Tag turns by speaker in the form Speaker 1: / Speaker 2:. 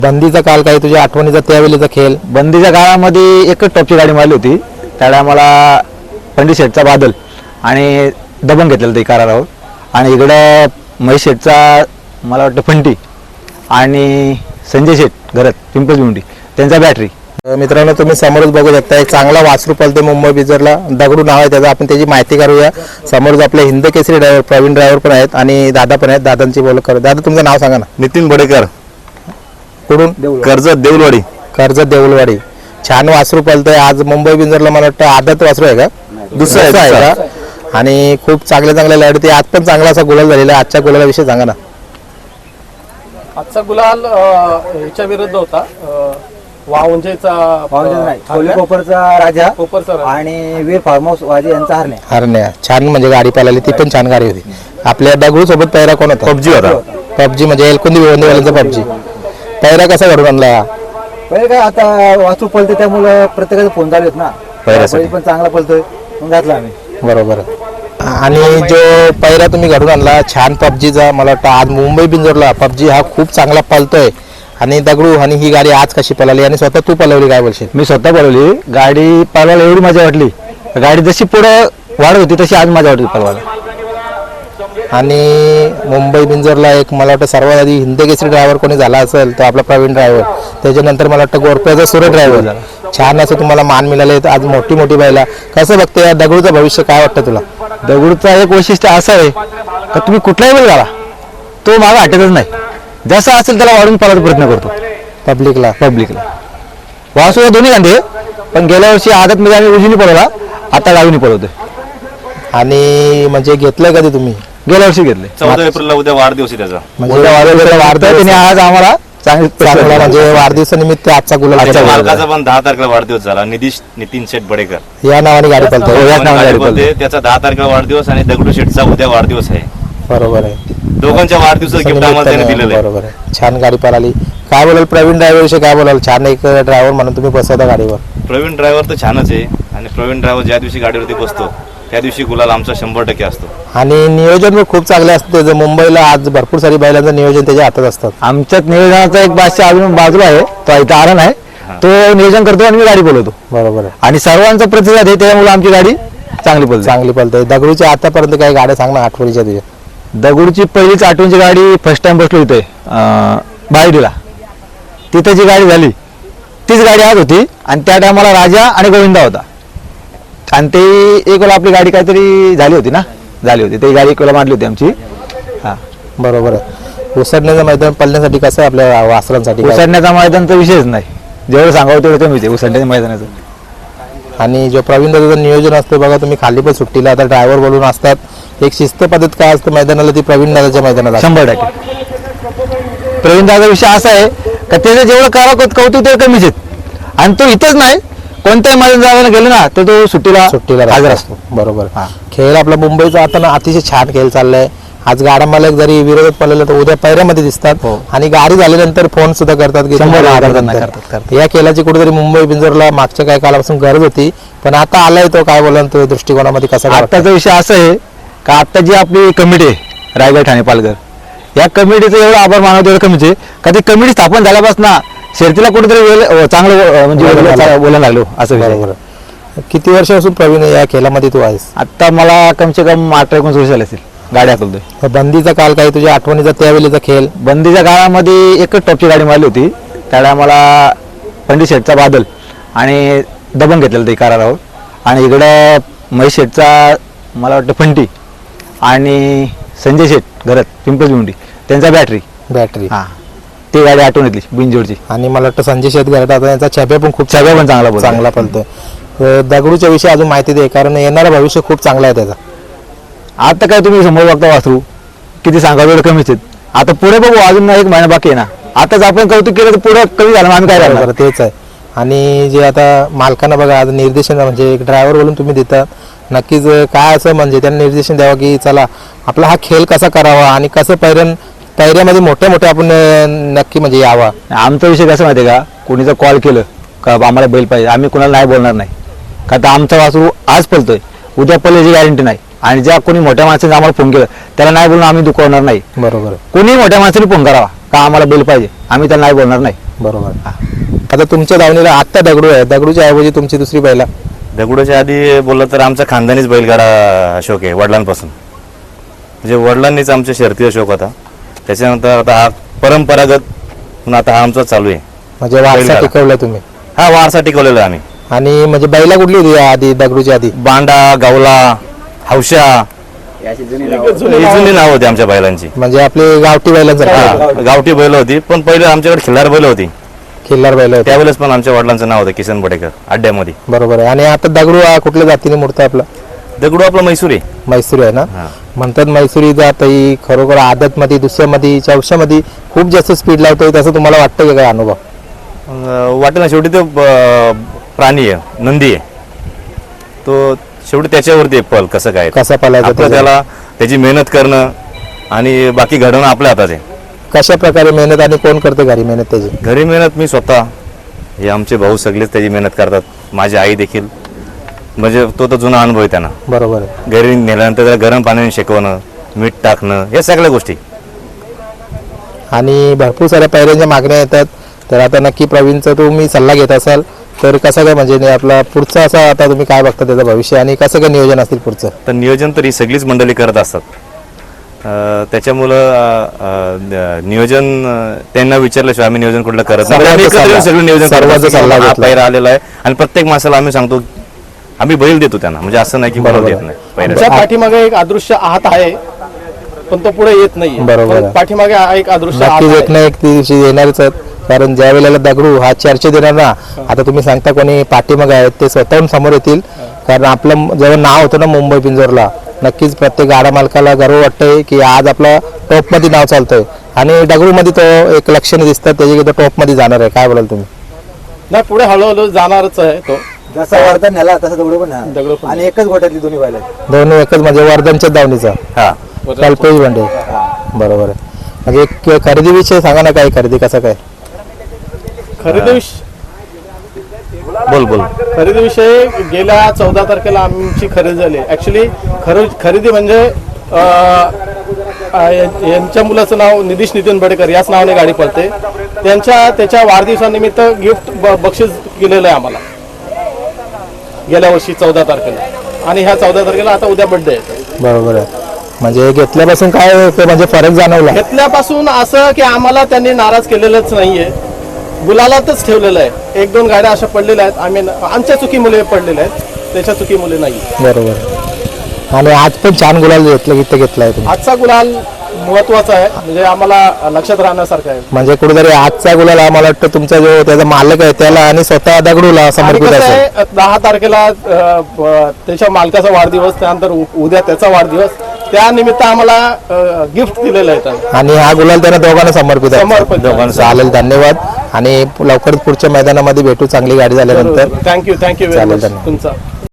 Speaker 1: बंदीचा काल काही तुझ्या आठवणीचा त्यावेळेचा खेळ?
Speaker 2: बंदीच्या काळामध्ये एकच टॉपची गाडी मारली होती, त्याला आम्हाला पंडित शेठचा बादल आणि दबंग घेतलेलं ते करारावर, आणि इकडं महेश शेठचा मला वाटतं फंटी आणि संजय शेठ घरात पिंपळमुंडी त्यांचा बॅटरी.
Speaker 1: मित्रांनो, तुम्ही समोरच बघू शकता एक चांगला वासरू पळते मुंबई बिजरला, दगडू नाव आहे त्याचं. आपण त्याची माहिती करूया. समोरच आपले हिंद केसरी ड्रायव्हर प्रवीण ड्रायव्हर पण आहेत आणि दादा पण आहेत. दादांची बोल करू. दादा, तुमचं नाव सांगा ना.
Speaker 3: नितीन बडेकर,
Speaker 1: कुठून?
Speaker 3: कर्जत देऊलवाडी.
Speaker 1: कर्जत देऊलवाडी. छान वासरू पळतंय आज मुंबई बिंजरला. मला वाटतं आदत वासरू आहे का?
Speaker 3: दुसरं
Speaker 1: आहे का? आणि खूप चांगल्या लढती. आज पण चांगला असा गुलाल झालेला. आजच्या गुलालाविषयी सांगा ना.
Speaker 4: आजचा गुलाल ह्याच्या विरुद्ध होता,
Speaker 5: कोपरचा राजा
Speaker 4: कोपरचा
Speaker 5: आणि वीर फार्म हाऊस वाजे यांचा
Speaker 1: हरण्या. छान म्हणजे गाडी पळाली, ती पण छान गाडी होती. आपल्या दगडू सोबत पैरा कोण होता?
Speaker 3: पबजी होता.
Speaker 1: पबजी म्हणजे एलकुंदी भिवंडीवाल्यांचा पबजी. पैरा कसा घडून आणला?
Speaker 5: पहिले काय आता वास्तू पळते त्यामुळे प्रत्येकाचा फोन चालू आहेत ना,
Speaker 3: पैऱ्यासाठी.
Speaker 5: पण चांगला पळतोय मग घातला आम्ही.
Speaker 1: बरोबर. आणि जो पैरा तुम्ही घडून आणला छान पबजीचा, मला वाटतं आज मुंबई बिंजोरला पबजी हा खूप चांगला पळतोय. आणि दगडू आणि ही गाडी आज कशी पळाली आणि स्वतः तू पळवली, काय बोलशील?
Speaker 2: मी स्वतः पळवली गाडी. पळवायला एवढी मजा वाटली, गाडी जशी पुढे वाढत होती तशी आज मजा वाटली पळवायला.
Speaker 1: आणि मुंबई बिंजोरला एक मला वाटतं सर्वात आधी हिंद केसरी ड्रायव्हर कोणी झाला असेल तर आपला प्रवीण ड्रायव्हर. त्याच्यानंतर मला वाटतं गोरप्याचा सूर्य ड्रायव्हर झाला. छान असं तुम्हाला मान मिळाले आज मोठी बैला. कसं बघते या दगडूचं भविष्य, काय वाटतं तुला?
Speaker 2: दगडूचं एक वैशिष्ट्य असं आहे का तुम्ही कुठलाही बैल घाला तो मागं हटतच नाही. जसं असेल त्याला वाढून पळायचा प्रयत्न करतो पब्लिकला. वासुदा दोन्ही कांदे, पण गेल्या वर्षी आदतमध्ये आम्ही उजवीने पळवला, आता डावीने पळवतोय.
Speaker 1: आणि म्हणजे घेतलंय कधी तुम्ही?
Speaker 2: गेल्या वर्षी घेतले.
Speaker 3: 14 एप्रिलला उद्या वाढदिवस आहे त्याचा.
Speaker 1: म्हणजे
Speaker 2: वाढतोय आज आम्हाला
Speaker 1: चांगला म्हणजे वाढदिवसानिमित्त आजचा गुलाल
Speaker 3: त्याच्या
Speaker 1: केला.
Speaker 3: मालकाचा पण 10 तारखेला वाढदिवस झाला. नितीन शेठ बडेकर
Speaker 1: या नावाने गाडी पळतो.
Speaker 2: याच नावाने गाडी पळते.
Speaker 3: त्याचा 10 तारखेला वाढदिवस आणि दगडू शेठचा उद्या वाढदिवस आहे.
Speaker 1: बरोबर आहे.
Speaker 3: दोघांच्या वाढदिवसाचं गिफ्ट आम्हाला त्याने दिलेलं आहे.
Speaker 1: बरोबर आहे. छान गाडी पळाली. काय बोलाल प्रवीण ड्रायव्हर विषयी, काय बोलाल? छान एक ड्रायव्हर म्हणून तुम्ही बसवता गाडीवर.
Speaker 3: प्रवीण ड्रायव्हर तर छानच आहे, आणि प्रवीण ड्रायव्हर ज्या दिवशी गाडीवरती बसतो त्या दिवशी गुलाल आमचा 100% असतो.
Speaker 1: आणि नियोजन पण खूप चांगले असतं त्याचं. मुंबईला आज भरपूर सारी बैलांचं नियोजन त्याच्या हातात असतात.
Speaker 2: आमच्यात नियोजनाचा एक बादशाह अजून बाजूला आहे, तो इथं आरण आहे, तो नियोजन करतो आणि मी गाडी बोलवतो.
Speaker 1: बरोबर आहे.
Speaker 2: आणि सर्वांचा प्रतिसाद आहे, त्यामुळे आमची गाडी चांगली पळते.
Speaker 1: दगडूच्या आतापर्यंत काही गाड्या सांग ना आठवणीच्या तुझ्या.
Speaker 2: दगडूची पहिलीच आठवणीची गाडी फर्स्ट टाइम बसलो इथे बायडीला, तिथं जी गाडी झाली तीच गाडी आज होती. आणि त्या टायमाला राजा आणि गोविंदा होता. आणि ते एक वेळा आपली गाडी काहीतरी झाली होती ती गाडी एक वेळा मारली होती आमची. हा,
Speaker 1: बरोबर आहे. उसडण्याचं मैदान पळण्यासाठी कसं आहे आपल्या वासरांसाठी?
Speaker 2: उसडण्याचा मैदानचा विषयच नाही, जेवढं सांगावं तेवढं कमीच आहे उसडण्याच्या मैदानाचं.
Speaker 1: आणि जो प्रवीण दादाचं नियोजन असतं बघा, तुम्ही खाली पण सुट्टीला आता ड्रायव्हर बोलून असतात. एक शिस्त पद्धत काय असतं मैदानाला, ती प्रवीण दादाच्या मैदानाला
Speaker 2: 100%. प्रवीण दादा विषय असा आहे का त्याचं जेवढं कौतुक तेवढं कमीच आहेत. आणि तो इथंच नाही, कोणत्याही मैदान जायला गेलो ना तर तो सुट्टीला हजर असतो.
Speaker 1: बरोबर. खेळ आपला मुंबईचा आता ना अतिशय छान खेळ चाललाय. आज गाडा मालक जरी विरोधात पडलेला तर उद्या पैऱ्यामध्ये दिसतात. आणि गाडी झाल्यानंतर फोन सुद्धा करतात की करतात. या खेळाची कुठेतरी मुंबई बिंजोरला मागच्या काही काळापासून गरज होती, पण आता आलाय तो. काय बोला तो दृष्टिकोनामध्ये कसा?
Speaker 2: आत्ताचा विषय असा आहे का आता जी आपली कमिटी आहे रायगड ठाणे पालघर, या कमिटीचं एवढं आभार मानवतो एवढं कमीच आहे का ती कमिटी स्थापन झाल्यापासून शर्तीला कुठेतरी चांगलं म्हणजे बोलायला लागलो असं.
Speaker 1: बरोबर. किती वर्षापासून प्रवीण या खेळामध्ये तू आहेस?
Speaker 2: आता मला कमसे कम 18-19 वर्ष झाले असतील गाडी हाकलतोय.
Speaker 1: बंदीचा काल काही तुझ्या आठवणीचा त्यावेळेचा खेळ?
Speaker 2: बंदीच्या काळामध्ये एकच टॉपची गाडी मारली होती, त्याला आम्हाला पंडित शेठचा बादल आणि दबंग घेतलेलं ते करारावर, आणि इकडं महेश शेठचा मला वाटतं फंटी आणि संजय शेठ घरात पिंपळमुंडी त्यांचा बॅटरी. हा, ती गाडी आठवण येतली बिनजोडची.
Speaker 1: आणि मला वाटतं संजय शेठ घरात आता यांचा छब्या पण खूप चांगला पळतोय. दगडूच्या विषयी अजून माहिती दे, कारण येणारं भविष्य खूप चांगला आहे त्याचा.
Speaker 2: आता काय तुम्ही समोर बघता वासरू किती सांगा एवढं कमीच आहेत. आता पुढे बघू, अजून एक महिना बाकी आहे ना. आताच आपण कौतुक केलं तर पुढे कमी झालं, आम्ही काय करणार?
Speaker 1: तेच आहे. आणि जे आता मालकांना बघा आज निर्देशन म्हणजे एक ड्रायव्हर बोलून तुम्ही देतात, नक्कीच काय असं म्हणजे त्यांना निर्देशन द्यावं की चला आपला हा खेळ कसा करावा आणि कसं पैऱ्यामध्ये मोठ्या आपण नक्की म्हणजे यावा.
Speaker 2: आमचा विषय कसं माहिती आहे का, कोणीचं कॉल केलं का आम्हाला बैल पाहिजे, आम्ही कोणाला नाही बोलणार नाही. का तर आमचा वासरू आज पळतोय, उद्या पळल्याची गॅरंटी नाही. आणि ज्या कोणी मोठ्या माणसाने आम्हाला फोन केलं त्याला नाही बोलून आम्ही दुखवणार नाही.
Speaker 1: बरोबर.
Speaker 2: कोणी मोठ्या माणसाने फोन करावा का आम्हाला बैल पाहिजे, आम्ही त्याला नाही बोलणार नाही.
Speaker 1: बरोबर. आता तुमच्या दावणीला आत्ता दगडू आहे, दगडूच्या ऐवजी तुमची दुसरी बैला.
Speaker 3: दगडूच्या आधी बोललं तर आमचा खानदानीच बैलगाडा शौक आहे वडिलांपासून. म्हणजे वडिलांनीच आमच्या शर्तीचा शौक होता. त्याच्यानंतर आता हा परंपरागत म्हणून आता हा आमचा चालू आहे.
Speaker 1: म्हणजे वारसा
Speaker 3: बैलगाडा.
Speaker 1: टिकवलाय तुम्ही.
Speaker 3: हा वारसा टिकवलेला आहे आम्ही.
Speaker 1: आणि म्हणजे बैला कुठली होती या आधी दगडूच्या आधी?
Speaker 3: बांडा, गावला, हौशा ही जुनी नाव होती आमच्या बैलांची.
Speaker 1: म्हणजे आपली गावठी बैलांसारखी
Speaker 3: हा, गावठी बैल होती, पण पहिले आमच्याकडे खिल्लार बैल होती.
Speaker 1: खिल्लार बैल होते.
Speaker 3: त्यावेळेस पण आमच्या वडिलांचं नाव होतं किसन बडेकर अड्ड्यामध्ये.
Speaker 1: बरोबर आहे. आणि आता दगडू हा कुठल्या जातीने मूर्त आपला?
Speaker 3: दगडू आपला मैसूर आहे.
Speaker 1: मैसूरी आहे ना.
Speaker 3: हा.
Speaker 1: म्हणतात मैसूरी जात ही खरोखर आदत मध्ये, दुसऱ्यामध्ये, चौशामध्ये खूप जास्त स्पीड लावतोय, तसं तुम्हाला वाटतं का काय अनुभव?
Speaker 3: वाटेल ना, शेवटी तो प्राणी आहे, नंदी आहे तो. शेवटी त्याच्यावरती आहे पल कसं काय
Speaker 1: कसा पळायचा
Speaker 3: आपलं
Speaker 1: त्याचा?
Speaker 3: त्याला त्याची मेहनत करणं आणि बाकी घडवणं आपल्या हातात आहे.
Speaker 1: कशा प्रकारे मेहनत आणि कोण करते घरी मेहनत त्याची?
Speaker 3: घरी मेहनत मी स्वतः, हे आमचे भाऊ सगळेच त्याची मेहनत करतात. माझी आई देखील. म्हणजे तो तर जुना अनुभव आहे त्यांना.
Speaker 1: बरोबर आहे.
Speaker 3: घरी नेल्यानंतर त्याला गरम पाण्याने शेकवणं, मीठ टाकणं, या सगळ्या गोष्टी.
Speaker 1: आणि भरपूर साऱ्या पायऱ्यांच्या मागण्या येतात, तर आता नक्की प्रवीणचा तुम्ही सल्ला घेत असाल तर कसं काय, म्हणजे आपला पुढचा असा आता तुम्ही काय बघता त्याचं भविष्य आणि कसं काय नियोजन असतील पुढचं?
Speaker 3: तर नियोजन तर ही सगळीच मंडळी करत असतात. त्याच्यामुळं नियोजन त्यांना विचारल्याशिवाय आम्ही नियोजन कुठलं करत नाही. आम्ही एकत्र येऊन सगळं नियोजन करत
Speaker 1: सर्वांचा
Speaker 3: असतो.
Speaker 1: सल्ला
Speaker 3: हा
Speaker 1: घेतला.
Speaker 3: पायरा आलेला आहे आणि प्रत्येक माणसाला आम्ही सांगतो आम्ही बैल देतो त्यांना. म्हणजे असं नाही की बैल
Speaker 1: बरोबर
Speaker 3: देत
Speaker 1: आहे.
Speaker 3: नाही
Speaker 4: आमच्या
Speaker 3: पायऱ्याला.
Speaker 4: पाठीमागे एक अदृश्य आहात आहे, पण तो पुढे येत नाही.
Speaker 1: बरोबर आहे.
Speaker 4: पाठीमागे एक अदृश्य आहात
Speaker 1: नक्कीच एक
Speaker 4: आहे.
Speaker 1: ना एक दिवशी येणारच आहेत. कारण ज्या वेळेला दगडू हा चर्चेत येणार ना, आता तुम्ही सांगता कोणी पाठीमागे आहेत ते स्वतःहून समोर येतील. कारण आपलं जेव्हा नाव होतं ना मुंबई पिंजोरला, नक्कीच प्रत्येक गाडा मालकाला गर्व वाटतंय की आज आपला टॉपमध्ये नाव चालतंय आणि दगडूमध्ये तो एक लक्षणे दिसतात त्याची की तो टॉपमध्ये जाणार आहे. काय बोलाल तुम्ही?
Speaker 4: नाही, पुढे हळूहळू जाणारच आहे तो.
Speaker 5: जसा वर्धन नेला तसा दगडू पण आहे.
Speaker 4: दगडू पण.
Speaker 5: आणि एकच गोट्यातली दोन्ही बैल आहेत.
Speaker 1: दोन्ही एकच म्हणजे वर्धनच्या दावणीचा
Speaker 3: हा
Speaker 1: कल्पेश बंडे. बरोबर आहे. म्हणजे एक खरेदी विषय सांगा ना, काय खरेदी कसं काय?
Speaker 3: बोल
Speaker 4: खरेदीविषयी गेल्या 14 तारखेला आमची खरेदी झाली. ऍक्च्युली खरेदी म्हणजे यांच्या मुलाचं नाव निधीश नितीन बडेकर याच नावाने गाडी पळते. त्याच्या वाढदिवसानिमित्त गिफ्ट बक्षीस केलेलं आहे आम्हाला गेल्या वर्षी 14 तारखेला. आणि ह्या 14 तारखेला आता उद्या बर्थडे आहे.
Speaker 1: बरोबर आहे. म्हणजे घेतल्यापासून काय ते म्हणजे फरक जाणवला?
Speaker 4: घेतल्यापासून असं की आम्हाला त्यांनी नाराज केलेलंच नाहीये, गुलालातच ठेवलेलं आहे. 1-2 गाड्या अशा पडलेल्या आहेत, आम्ही आमच्या चुकीमुळे पडलेल्या आहेत, त्याच्या चुकीमुळे नाही.
Speaker 1: बरोबर. आणि आज पण छान गुलाल घेतलाय तुम्ही.
Speaker 4: आजचा गुलाल महत्वाचा आहे, म्हणजे आम्हाला लक्षात राहण्यासारखं आहे.
Speaker 1: म्हणजे कुठेतरी आजचा गुलाल आम्हाला वाटतं तुमचा जो त्याचा मालक आहे त्याला आणि स्वतः दगडूला
Speaker 4: आणि
Speaker 1: समर्पित
Speaker 4: कसं
Speaker 1: असेल.
Speaker 4: आहे, 10 तारखेला त्याच्या मालकाचा वाढदिवस, त्यानंतर उद्या त्याचा वाढदिवस, त्यानिमित्त आम्हाला गिफ्ट दिलेलं आहे त्यांनी.
Speaker 1: आणि हा गुलाल त्यांना दोघांना समर्पित आहे.
Speaker 4: समर्पित आहे.
Speaker 1: दोघांना चालेल. धन्यवाद. आणि लवकरच पुढच्या मैदानामध्ये भेटू चांगली गाडी झाल्यानंतर.
Speaker 4: थँक्यू
Speaker 1: चालेल,
Speaker 4: व्हेरी मच
Speaker 1: धन्यवाद.
Speaker 4: तुमचा.